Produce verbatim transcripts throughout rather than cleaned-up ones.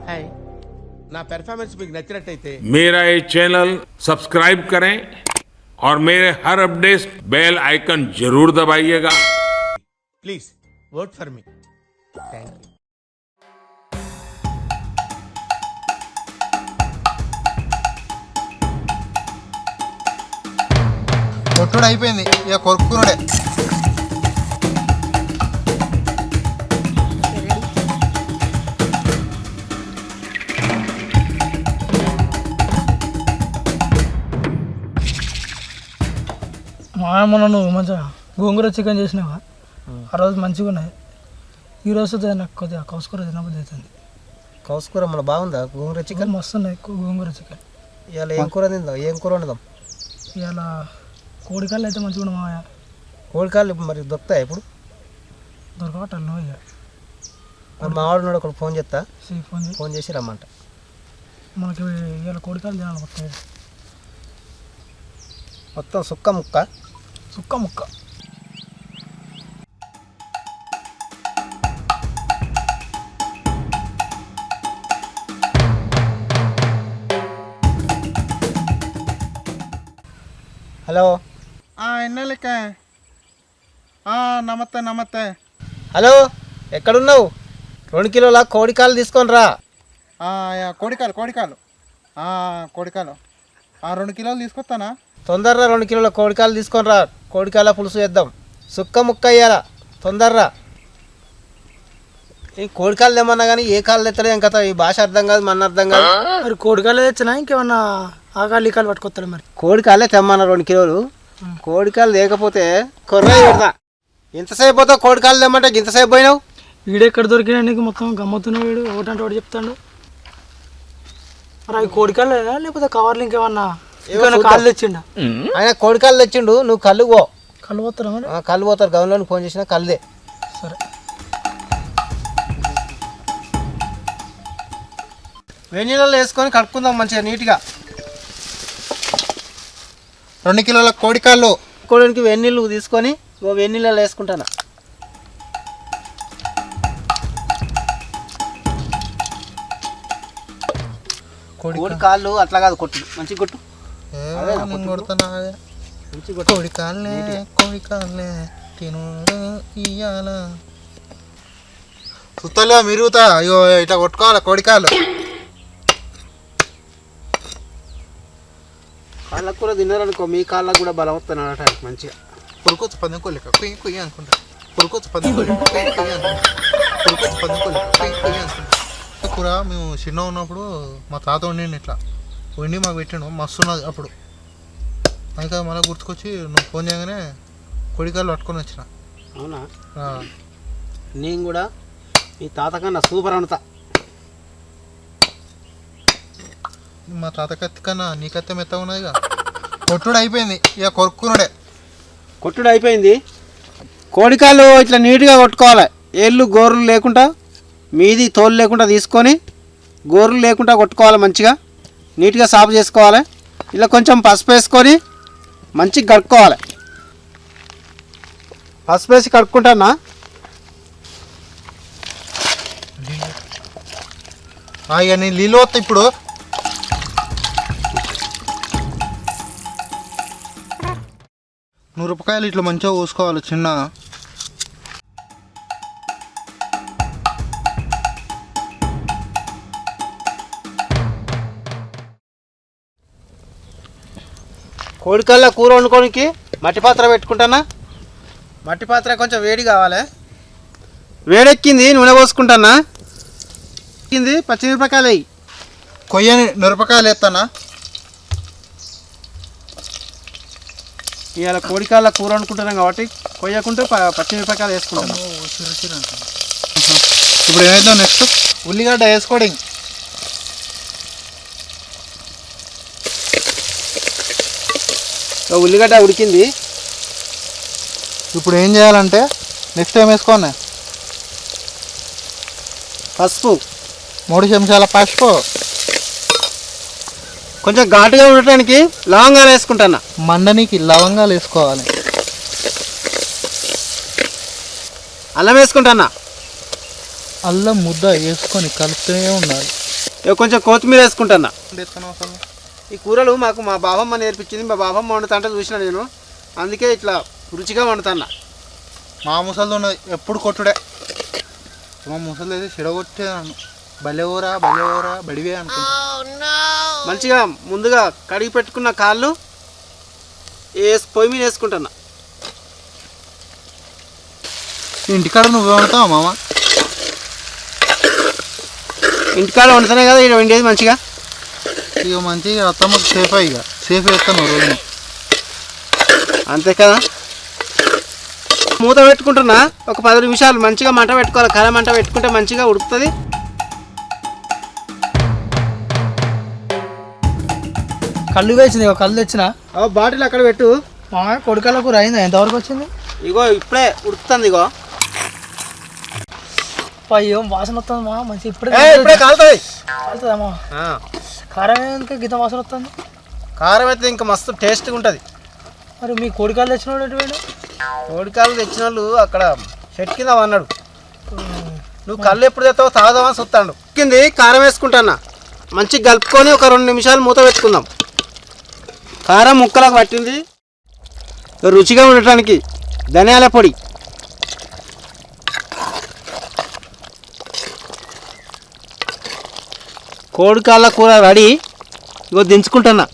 हाय ना परफॉर्मेंस మీకు నచ్చినట్లయితే मेरा ये चैनल सब्सक्राइब करें और मेरे हर अपडेट बेल आइकन जरूर दबाइएगा। Please vote for me thank you. కొట్టుడు అయిపోయింది ఇక కొరుక్కునుడే. మా మొన్న నువ్వు మంచిగా గోంగూర చికెన్ చేసినావా ఆ రోజు మంచిగా ఉన్నది. ఈరోజు నాకు కొద్దిగా కౌసుకూర తినబుద్ధి అవుతుంది. కౌసుకూర మన బాగుందా? గోంగూర చికెన్ మస్తు ఉన్నాయి గోంగూర చికెన్. ఇవాళ ఏం కూర తిందాం? ఏం కూర వండుదాం? ఇవాళ కోడికాళ్ళు అయితే మంచిగా ఉన్నాయి మావయ్య. కోడికాళ్ళు మరి దొరుకుతాయి ఇప్పుడు? దొరకవటం నువ్వు ఇక మరి మా వాడు ఒకటి ఫోన్ చేస్తా, ఫోన్ ఫోన్ చేసి రమ్మంట. మనకి ఇవాళ కోడికాళ్ళు తినాలి మొత్తం మొత్తం సుక్క ముక్క సుక్క ముక్క. హలో ఎన్నెలక నమస్తే నమస్తే. హలో ఎక్కడున్నావు? రెండు కిలోల కోడికాలు తీసుకొని రా. కోడికాలు కోడికాలు కోడికాలు రెండు కిలోలు తీసుకొస్తానా? తొందరరా, రెండు కిలోల కోడికాలు తీసుకొని రా. కోడికాల పులుసు వేద్దాం. సుక్క ముక్క అయ్యారా, తొందరరా. ఈ కోడికాలు తెమ్మన్నా కానీ ఏ కాళ్ళు తెత్తలేదు ఇంకా. ఈ భాష అర్థం కాదు, మన అర్థం కాదు. మరి కోడికాయలు తెచ్చినా ఇంకేమన్నా ఆకాలు ఈకాలు పట్టుకొస్తాడు. మరి కోడికాయలే తెమ్మన్నా రెండు కిలోలు. కోడికాయలు లేకపోతే కొర్ర పెడతా. ఇంతసేపు పోతావు కోడికాయలు తెమ్మంటే ఇంతసేపు పోయినావు. వీడెక్కడ దొరికినా నీకు మొత్తం గమ్మతున్నావు. వీడు ఒకటంటే ఒకటి చెప్తాడు. మరి అవి కోడికాయలు లేదా లేకపోతే కవర్లు ఇంకేమన్నా కాళ్ళు తెచ్చిండ? ఆయన కోడికాయలు తెచ్చిండు, నువ్వు కళ్ళు పో. కళ్ళు పోతారా? మరి కళ్ళు పోతారు. గవర్నమెంట్ ఫోన్ చేసినా కళ్ళదే. సరే. వేడి నీళ్ళలో వేసుకొని కడుక్కుందాం మంచిగా నీట్గా. రెండు కిలోల కోడికాళ్ళు కోడికి వేడి నీళ్ళు తీసుకొని ఓ వేడి నీళ్ళలో వేసుకుంటాను. కోడి కాళ్ళు అట్లా కాదు, కొట్టు మంచిగా కొట్టు. కొడుతున్నా కోడికాళ్ళే కోడికాళ్ళే తినుడు ఇయ్యాల సుత్తలే మిరుగుతా. అయ్యో ఇట్లా కొట్టుకోవాలి కోడికాళ్ళు. కాళ్ళకు కూడా తిన్నారనుకో, మీ కాళ్ళకు కూడా బలం వస్తున్నాడు అట మంచిగా. పురుకొచ్చు పందెం కొలిక కుయ్యి కుయ్యి అనుకుంటా. పురుకొచ్చు పందెం కొలిక కుయ్యి కుయ్యి అనుకుంటా. పురుకొచ్చు పందెం కొలిక కుయ్యి కుయ్యి అనుకుంటా. కూర మేము చిన్న ఉన్నప్పుడు మా తాత వండిండి ఇట్లా వండి మాకు పెట్టిండు, మస్తు ఉన్నది అప్పుడు. ఇంకా మళ్ళీ గుర్తుకొచ్చి నువ్వు ఫోన్ చేయగానే కొడికాయలు పట్టుకొని వచ్చిన. అవునా? నేను కూడా మీ తాత కన్నా సూపర్ వండుతా. మా తాత కత్తి కన్నా నీ కత్తి మెత్తగా ఉన్నదిగా. కొట్టుడు అయిపోయింది ఇక కొరుక్కునుడే. కొట్టుడు అయిపోయింది. కోడికాళ్ళు ఇట్లా నీట్గా కొట్టుకోవాలి. ఏళ్ళు గోర్లు లేకుండా, మీది తోలు లేకుండా తీసుకొని గోర్లు లేకుండా కొట్టుకోవాలి. మంచిగా నీట్గా సాఫ్ చేసుకోవాలి. ఇలా కొంచెం పసుపు వేసుకొని మంచిగా కడుక్కోవాలి. పసుపు వేసి కడుక్కుంటానా? ఇక నేను నీళ్ళు వస్తా ఇప్పుడు. నూరుపాయలు ఇట్లా మంచిగా కోసుకోవాలి చిన్న. కోడికాళ్ళ కూర వండుకోనికి మట్టి పాత్ర పెట్టుకుంటానా? మట్టి పాత్ర కొంచెం వేడి కావాలి. వేడెక్కింది, నూనె పోసుకుంటానా? ఎక్కింది, పచ్చిమిరపకాయలు అయ్యి కొయ్యని మిరపకాయలు వేస్తానా? ఇవాళ కోడికాళ్ళ కూర వండుకుంటున్నాం కాబట్టి కొయ్యకుంటూ పచ్చిమిరపకాయలు వేసుకుంటాను. ఇప్పుడు ఏమైందో నెక్స్ట్ ఉల్లిగడ్డ వేసుకోవడం. ఉల్లిగడ్డ ఉడికింది. ఇప్పుడు ఏం చేయాలంటే నెక్స్ట్ ఏం వేసుకోండి? పసుపు మూడు చెంచాల పసుపు. కొంచెం ఘాటుగా ఉండటానికి లవంగాలు వేసుకుంటాను. మండనికి లవంగాలు వేసుకోవాలి. అల్లం వేసుకుంటానా? అల్లం ముద్ద వేసుకొని కలుపుతూనే ఉండాలి. ఇక కొంచెం కొత్తిమీర వేసుకుంటున్నా. ఎత్తుకున్నావు అసలు ఈ కూరలు మాకు మా బాబమ్మ నేర్పించింది. మా బాబమ్మ వండుతుంటే చూసిన నేను, అందుకే ఇట్లా రుచిగా వండుతున్నా. మా ముసలిది ఉన్నది ఎప్పుడు కొట్టుడే. మా ముసలి అయితే చెడగొట్టే నన్ను. బలెవరా బలెవరా బడివే అనుకుంటా. మంచిగా ముందుగా కడిగి పెట్టుకున్న కాళ్ళు వేసి పొయ్యి మీద వేసుకుంటున్నా. ఇంటికాడ నువ్వే వండుతావా మామ? ఇంటికాడ వండుతానే కదా ఇక్కడ వండేది మంచిగా. ఇక మంచిగా అత్తమ్మకి సేఫ్ ఇక సేఫ్ వేస్తాను రోజున. అంతే కదా. మూత పెట్టుకుంటున్నా ఒక పది నిమిషాలు మంచిగా మంట పెట్టుకోవాలి. కర మంట పెట్టుకుంటే మంచిగా ఉడుకుతుంది. కళ్ళు వేసింది, ఇక కళ్ళు తెచ్చిన బాటిల్ అక్కడ పెట్టు. మా కొడుకల కూర అయిందా? ఎంతవరకు వచ్చింది? ఇగో ఇప్పుడే ఉడుకుతుంది. ఇగో అయ్యో వాసన వస్తుంది మా మంచి ఇప్పుడే ఇప్పుడే కాలుతుంది. కాలుతుందమ్మా. కారం ఇంకా గీత వాసన వస్తుంది. కారం అయితే ఇంకా మస్తు టేస్ట్గా ఉంటుంది. మరి మీ కోడికాయలు తెచ్చినోడు ఎటువంటి? కోడికాయలు తెచ్చిన వాళ్ళు అక్కడ చెట్టు కింద అన్నాడు. నువ్వు కళ్ళు ఎప్పుడు తెస్తావో తాగుదామని చూస్తాడు. కింది కారం వేసుకుంటానా. మంచిగా కలుపుకొని ఒక రెండు నిమిషాలు మూత పెట్టుకుందాం. కారం ముక్కలకు పట్టింది. రుచిగా ఉండటానికి ధనియాల పొడి, కోడికాళ్ళ కూర రెడీ. ఇగో దించుకుంటున్నా.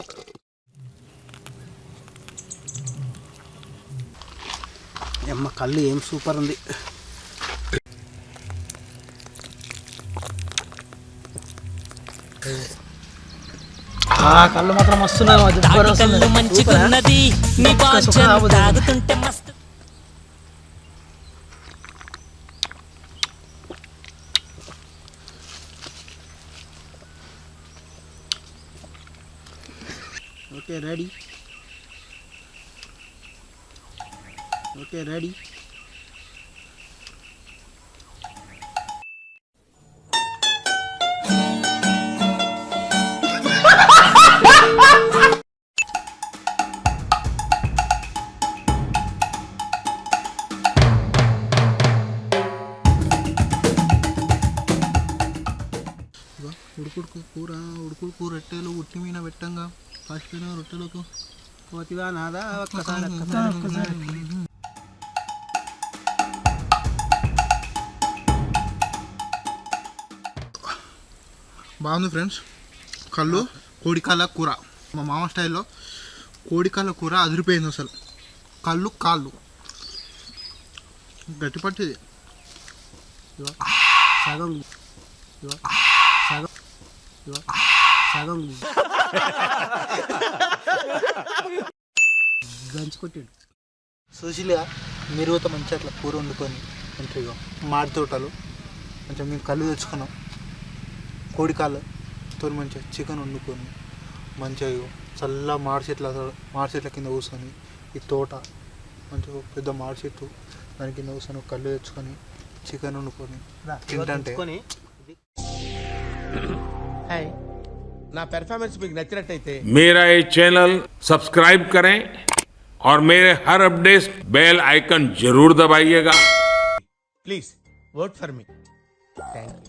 అమ్మ కళ్ళు ఏం సూపర్ ఉంది. కళ్ళు మాత్రం వస్తున్నాయి. Okay ready. Okay ready. ఉడుకుడుకు కూర ఉడుకుడుకు రొట్టెలు ఉట్టి మీద పెట్టంగా ఫస్ట్ రొట్టెలకు కోతివా నాదా ఒక్కసారి బాగుంది ఫ్రెండ్స్. కళ్ళు కోడికాళ్ళ కూర మా మామ స్టైల్లో కోడికాళ్ళ కూర అదిరిపోయింది అసలు. కళ్ళు కాళ్ళు గట్టి పట్టిది. సగం సగం సగం గంచుకొట్టాడు. సుశీలిగా మీరు అయితే మంచిగా అట్లా కూర వండుకొని మంచిగా మాడి తోటలు మంచిగా మేము కళ్ళు తెచ్చుకున్నాం. కోడికాళ్ళతో మంచిగా చికెన్ వండుకొని మంచిగా చల్ల మాడి చెట్ల మాడి చెట్ల కింద కూర్చొని ఈ తోట మంచిగా పెద్ద మాడి చెట్టు దాని కింద కూర్చొని కళ్ళు తెచ్చుకొని చికెన్ వండుకొని తింటే హాయ్ నా పెర్ఫార్మెన్స్ మీకు నచ్చినట్టయితే मेरा ये चैनल सब्सक्राइब करें और मेरे हर अपडेट बेल आइकन जरूर दबाइएगा. Please vote for me. Thank you.